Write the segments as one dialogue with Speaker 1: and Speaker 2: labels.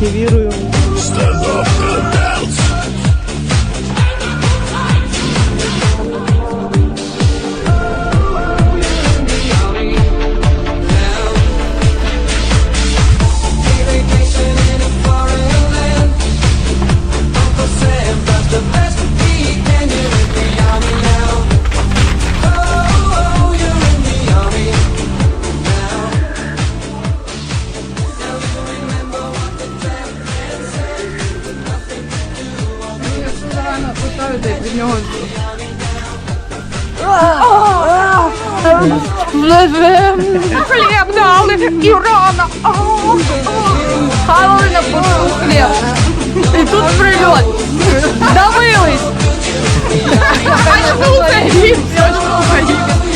Speaker 1: активірую. Від нього хліб дали і рано. Хавали на пусту хліб. І тут прильот. Давились. А слухай, хліб, слухай.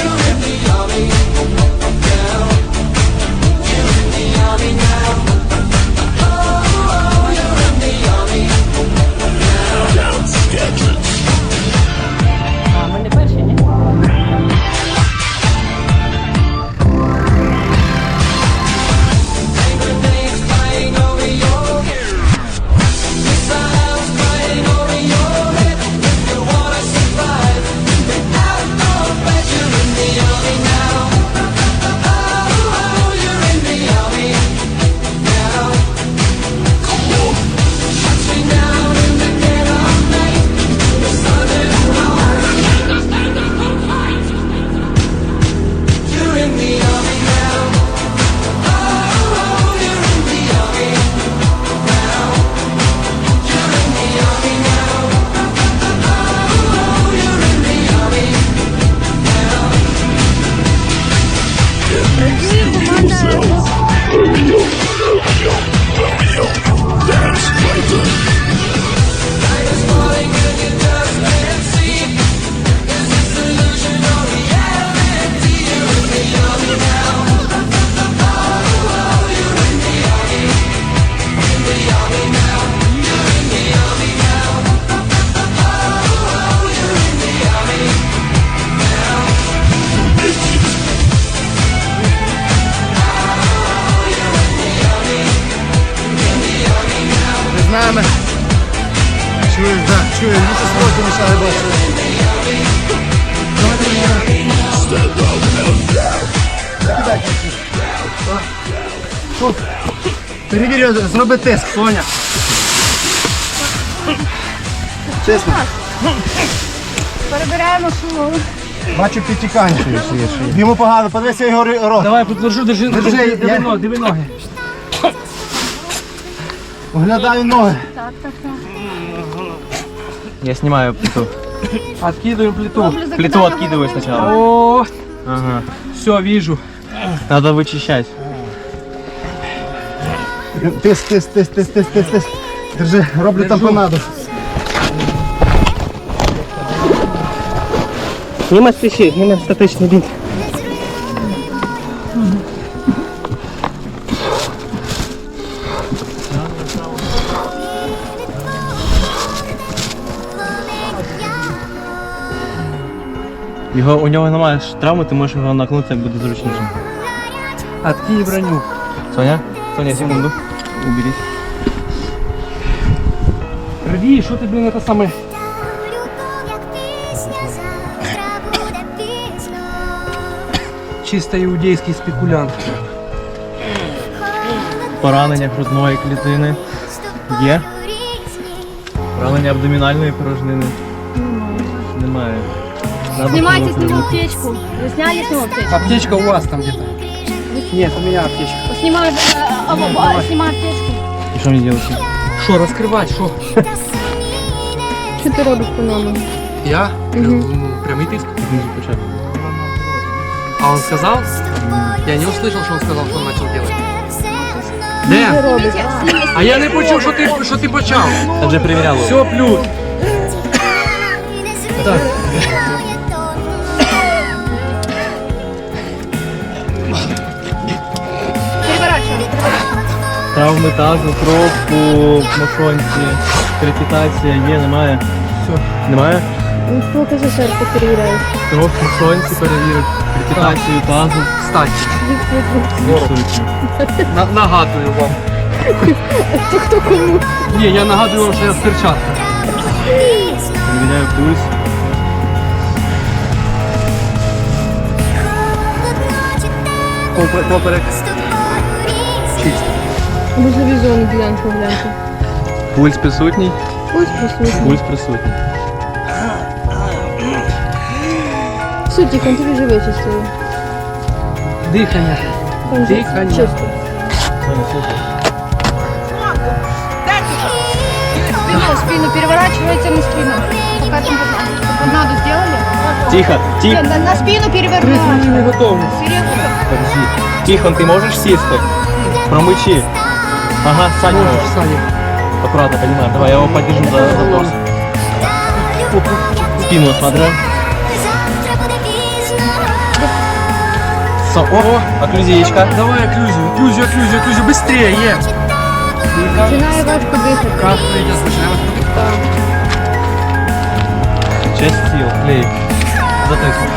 Speaker 2: Чуєш, так, чуєш, літо сроки мішає бачити. Тут, перевірю, зроби тест, Соня. Чесно.
Speaker 1: Перебираємо шуму.
Speaker 2: Бачу підтікання. Йому погано, подивися його рот.
Speaker 3: Давай, подержу, держи, диви ноги.
Speaker 2: Оглядаю ноги.
Speaker 4: Я снимаю плиту.
Speaker 3: Откидываем плиту.
Speaker 4: Плиту откидываю сначала.
Speaker 3: О,
Speaker 4: Ага.
Speaker 3: все, вижу.
Speaker 4: Надо вычищать.
Speaker 2: Тиск. Держи, роблю тампонаду.
Speaker 4: Нема спеши, нема статичный бинт. У нього немає травми, ти можеш його накнути, як буде зручніше.
Speaker 3: Откинь броню.
Speaker 4: Соня, секунду. Уберись.
Speaker 3: Рви, что ты, блин, это самое... Чисто иудейский спекулянт.
Speaker 4: Поранення грудної клітини є. Поранення абдомінальної порожнини немає.
Speaker 5: Снимайте с него аптечку. Вы сняли с него аптечку?
Speaker 3: Аптечка у вас там где-то? Нет, у меня аптечка.
Speaker 5: Снимай аптечку.
Speaker 4: І що мені робити?
Speaker 3: Что, раскрывать, что?
Speaker 5: Что ты робишь по-новому?
Speaker 3: Я? Прямый тиск.
Speaker 4: Знизу почати.
Speaker 3: А он сказал? Я не услышал, что он сказал, что он начал делать.
Speaker 5: Что
Speaker 3: Дэн,
Speaker 5: робишь?
Speaker 3: а я не почув, що ти почав.
Speaker 4: Я вже перевіряв.
Speaker 3: Все, плюс. Так.
Speaker 5: Переворачиваем.
Speaker 4: Травми тазу, кров по мошонці, крепітація є, немає.
Speaker 3: Все.
Speaker 4: Немає?
Speaker 5: Ну, сколько же сердце переверяешь?
Speaker 4: Кров в мошонці перевірить, крепітацію тазу.
Speaker 3: Кстати,
Speaker 4: Фіксується.
Speaker 3: нагадую вам.
Speaker 1: То хто кому?
Speaker 3: Ні, я нагадую вам, що я в перчатках.
Speaker 4: Перевіряю пульс. Поперек. Чисто.
Speaker 1: Можливі зони ділянку гляньте.
Speaker 4: Пульс присутній.
Speaker 1: Ось присутні.
Speaker 4: Пульс присутній.
Speaker 1: Все, тихо, тобі вже вичистили.
Speaker 3: Дихання.
Speaker 1: Там же
Speaker 3: Дихання.
Speaker 1: чисто.
Speaker 5: Спину переворачивается на спину. Пока там надо сделали.
Speaker 4: Тихо, тихо.
Speaker 5: На спину перевернуть.
Speaker 4: Подожди. Тихон, ты можешь сесть? Промычи. Ага, Саня
Speaker 3: Можеш,
Speaker 4: можешь.
Speaker 3: Саня.
Speaker 4: Аккуратно, понимаю. Давай, я его подержу за торс. Спину смотрю. О, окклюзиечка.
Speaker 3: Давай окклюзию, быстрее, є.
Speaker 1: Починає важко дихати.
Speaker 3: Как прийдеться, починаємо ходити.
Speaker 4: Часть сил, клей. Затык.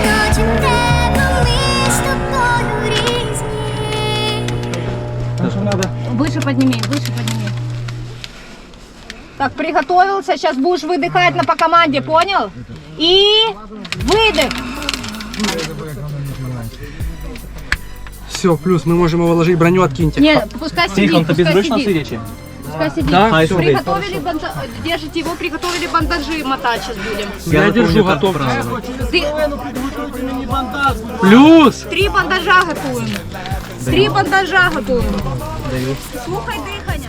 Speaker 5: Выше подними, выше подними. Так, приготовился. Сейчас будешь выдыхать по команде, понял? И выдох.
Speaker 3: Все, плюс, ми можемо вложити броню, откиньте.
Speaker 5: Нет, пускай сидит,
Speaker 4: Тихон, тобі
Speaker 5: пускай
Speaker 4: зручно
Speaker 5: сидит.
Speaker 4: сидячи?
Speaker 5: Пускай сидит.
Speaker 3: Да?
Speaker 4: Хай
Speaker 3: Всё.
Speaker 4: сидить.
Speaker 5: Приготовили держите его, приготовили бандажи мотать сейчас будем.
Speaker 3: Я держу, готов.
Speaker 5: Ты...
Speaker 3: Плюс!
Speaker 5: 3 бандажа готуем. 3 бандажа готуем. Слухай дихання.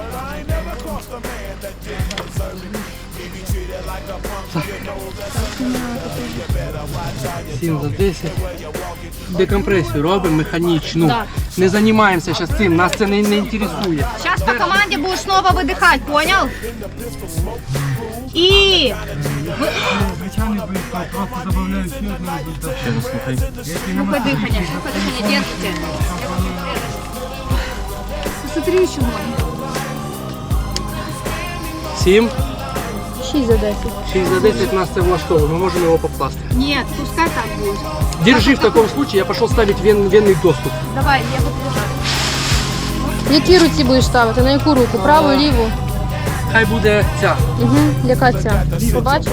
Speaker 3: Сім за 10. Декомпресію робимо механічну.
Speaker 5: Да.
Speaker 3: Не займаємося зараз цим, нас це не інтересує.
Speaker 5: Сейчас по команде будешь снова выдыхать, понял? И... Слухай дыхание, держите. Посмотри еще можно.
Speaker 3: 7,
Speaker 1: 6 за 10.
Speaker 3: 6 за 10 нас це влаштовує, ми можемо його покласти.
Speaker 5: Нет, пускай так будет.
Speaker 3: Держи в такому случае, я пішов ставити венний доступ.
Speaker 5: Давай, я буду лежать.
Speaker 1: В якій руці будеш ставити? На яку руку? Праву, ліву?
Speaker 3: Хай буде ця.
Speaker 1: Угу. Яка ця? Побачиш?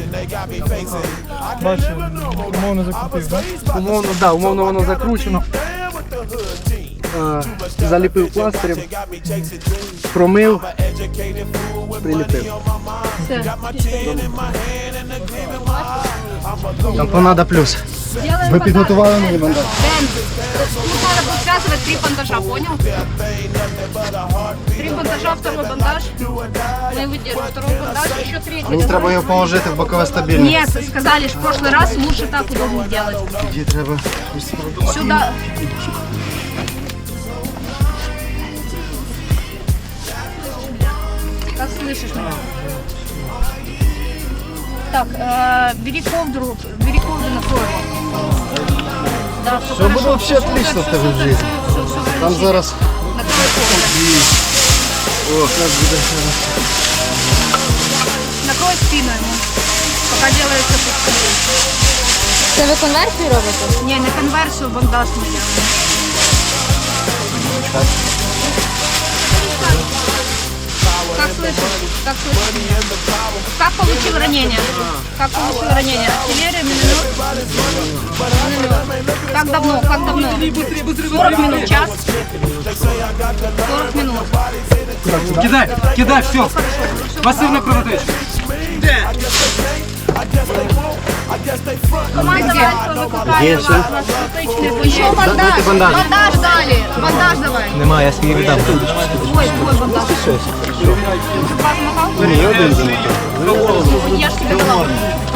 Speaker 3: Умовно воно закручено. Заліпив пластирем, промив, приліпив.
Speaker 5: Все.
Speaker 3: Тампонада плюс.
Speaker 5: Делаем
Speaker 2: Ви підготували мені бандаж?
Speaker 5: Дэн, тут надо будет связывать 3 бандажа, понял? 3 бандажа, второй бандаж. Мы выдержим второй бандаж, еще третий.
Speaker 2: Мені треба його положити в бокове стабільне.
Speaker 5: Нет, сказали, что в прошлый раз лучше так удобно делать.
Speaker 2: Тоді треба.
Speaker 5: Сюда. Как слышишь меня? Так, бери ковдру накрой его. Да, все
Speaker 2: Все буде взагалі отлично в тебе в житті. Там зараз.
Speaker 5: Накрой ковдру.
Speaker 2: О, як буде.
Speaker 5: Накрой спину ему. Пока делается пустые.
Speaker 1: Це ви конверсію робите?
Speaker 5: Не, на конверсию бандаж мы делаем. Как слышишь? Как слышишь? Как получил ранение? Как получил ранение? Артиллерия, миномет? Миномет. Как давно? Как давно? 40 минут, час? 40 минут.
Speaker 3: Кидай, все. Пасивна кровотеча.
Speaker 5: Команда выкликает. Еще бандаж.
Speaker 2: бандаж.
Speaker 5: Бандаж дали. Бандаж давай.
Speaker 4: Нема, я свій віддам.
Speaker 5: Ой, бандаж. Помогал?
Speaker 2: Ні, один.
Speaker 5: Я ж тебе дала.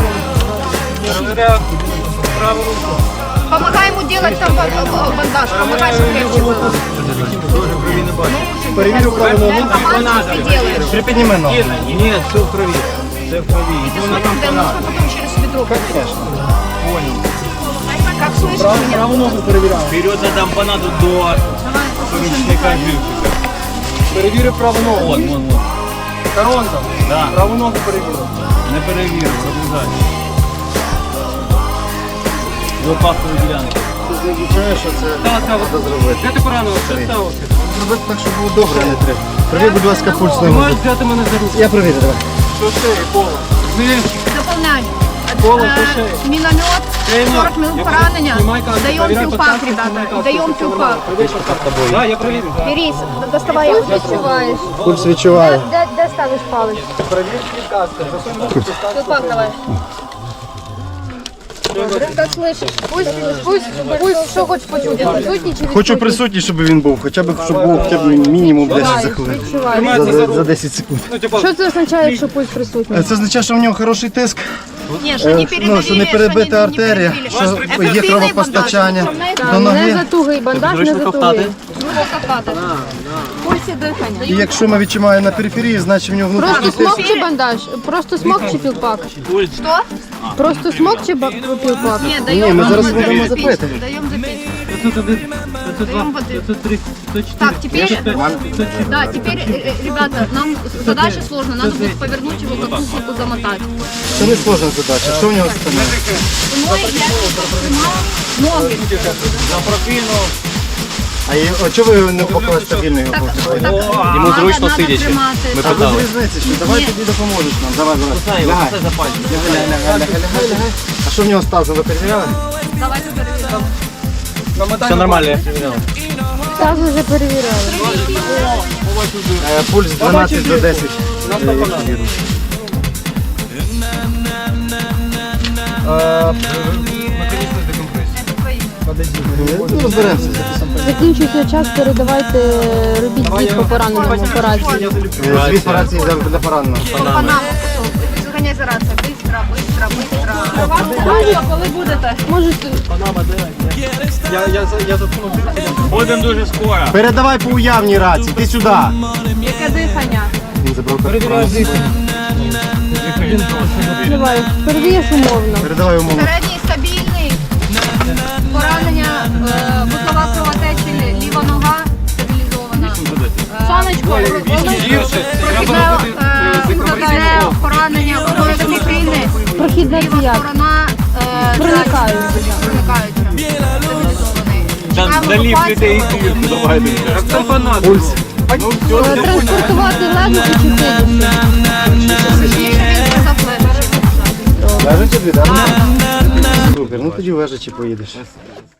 Speaker 5: Помогай ему делать там бандаж. Помогай, чтобы легче было.
Speaker 2: Перевірю праву ногу.
Speaker 5: Команду ты делаешь.
Speaker 2: Припідніми ногу.
Speaker 4: Ні, все в крові. Все в крові.
Speaker 5: Это смотри, да, нужно потом через бедро. Как слышишь меня?
Speaker 2: Праву ногу перевіряю.
Speaker 4: Вперед за тампонаду до помічника живчика.
Speaker 2: Перевірю праву ногу.
Speaker 4: Вон.
Speaker 2: Коронка.
Speaker 4: Да.
Speaker 2: Праву ногу перевірю.
Speaker 4: Не перевірив, продовжай. Лопаткові ділянки.
Speaker 2: відчуваю, що це треба зробити.
Speaker 3: Де ти поранив? Що сталося?
Speaker 2: Зробити так, щоб було добре, а не треба. Провір, будь ласка, пульс
Speaker 3: Ти
Speaker 2: на
Speaker 3: можеш взяти мене за руку?
Speaker 2: Я провірю, давай.
Speaker 3: Що ти, Пола?
Speaker 5: Дополняем.
Speaker 3: Кола, слушай.
Speaker 5: Миномет,
Speaker 3: Тренер,
Speaker 5: 40 минут
Speaker 3: я
Speaker 5: поранения.
Speaker 3: снимай каску,
Speaker 5: Даем
Speaker 3: проверяй
Speaker 5: филфак,
Speaker 3: подсказку,
Speaker 5: ребята.
Speaker 3: снимай каску,
Speaker 5: Даем
Speaker 3: всё нормально.
Speaker 5: филфак.
Speaker 3: Да, я проверю.
Speaker 5: Берись, доставай.
Speaker 1: Пульс відчуваєш.
Speaker 2: Пульс відчуваю.
Speaker 1: Де ставиш палець? Філфак давай. Как слышиш? Пульс, що хочеш почути? Присутній чи
Speaker 2: Хочу присутній, щоб він був, хоча б, щоб був хоча б мінімум 10 за хвилин.
Speaker 1: відчуваєш.
Speaker 2: За 10 секунд.
Speaker 3: Ну, типа,
Speaker 1: Що це означає, якщо пульс присутній?
Speaker 2: Це означає, що в нього хороший тиск,
Speaker 5: Не, что не передавили,
Speaker 2: що не перебита
Speaker 5: не
Speaker 2: артерія,
Speaker 5: перебили.
Speaker 2: що є кровопостачання до
Speaker 1: Так, не
Speaker 2: ноги.
Speaker 1: затугий бандаж, не
Speaker 4: Зручно
Speaker 1: затугий.
Speaker 4: ковтати.
Speaker 5: Пульс и дыхание.
Speaker 2: І якщо ми відчуваємо на периферії, значить в нього внутрішній
Speaker 1: Просто
Speaker 2: тиск.
Speaker 1: смок чи бандаж? Просто смок чи філпак?
Speaker 5: Что?
Speaker 1: Просто смок чи філпак?
Speaker 5: Нет, даем
Speaker 2: Ні, ми зараз
Speaker 5: запить.
Speaker 2: будемо запити.
Speaker 5: Даем запить.
Speaker 3: 501, 502,
Speaker 5: Даем воды.
Speaker 3: 503, 504.
Speaker 5: Так, теперь, да, теперь, ребята, нам задача сложная. Надо будет повернуть его, как куколку замотать.
Speaker 2: Це не сложна задача. Що в нього стане?
Speaker 5: Ноги, я прижимала ноги.
Speaker 2: А чого ви не поклали стабільно його?
Speaker 4: Йому
Speaker 5: Надо-
Speaker 4: зручно
Speaker 5: надо
Speaker 4: сидячи.
Speaker 5: тримати.
Speaker 4: Ми
Speaker 2: Та без
Speaker 4: питали.
Speaker 2: різниці, що давай
Speaker 5: Ні.
Speaker 2: тобі допоможеш нам. Давай, давай.
Speaker 4: Знаю,
Speaker 2: Лягай.
Speaker 4: це запальне.
Speaker 2: Лягай. А що в нього стало? Ви перевіряли?
Speaker 5: Давайте перевіримо.
Speaker 4: Все нормально, я перевіряв.
Speaker 1: Так вже перевіряли.
Speaker 2: Пульс 12 до 10. Ну, розберемося.
Speaker 1: Закінчується час, передавайте, робіть звіт по пораненому операції.
Speaker 2: Звіт операції для пораненого.
Speaker 5: По Панаму. Зганяй за рацію. Быстро, быстро, быстро. Можете, коли будете?
Speaker 1: Можете
Speaker 3: Будемо дуже скоро.
Speaker 2: Передавай по уявній рації, ти сюди.
Speaker 5: Яке дихання?
Speaker 2: Він забрав карту.
Speaker 1: давай, перевієш умовно.
Speaker 2: Передавай умовно.
Speaker 5: Середній стабільний. Поранення, вузлова кровотечі, ліва нога стабілізована. Сонечко, прохідне поранення одної клітини.
Speaker 1: Прохідна
Speaker 5: Ліва
Speaker 1: як?
Speaker 5: сторона
Speaker 1: Проникаюча.
Speaker 5: проникаюча. Стабілізований. Чекаємо
Speaker 4: Далі
Speaker 5: евакуацію.
Speaker 4: людей давайте.
Speaker 2: Пульс.
Speaker 1: Транспортувати лежачи чи сидячи?
Speaker 5: Точніше він сказав лежачи.
Speaker 2: Лежачи тобі, так? Супер, ну тоді лежачи поїдеш.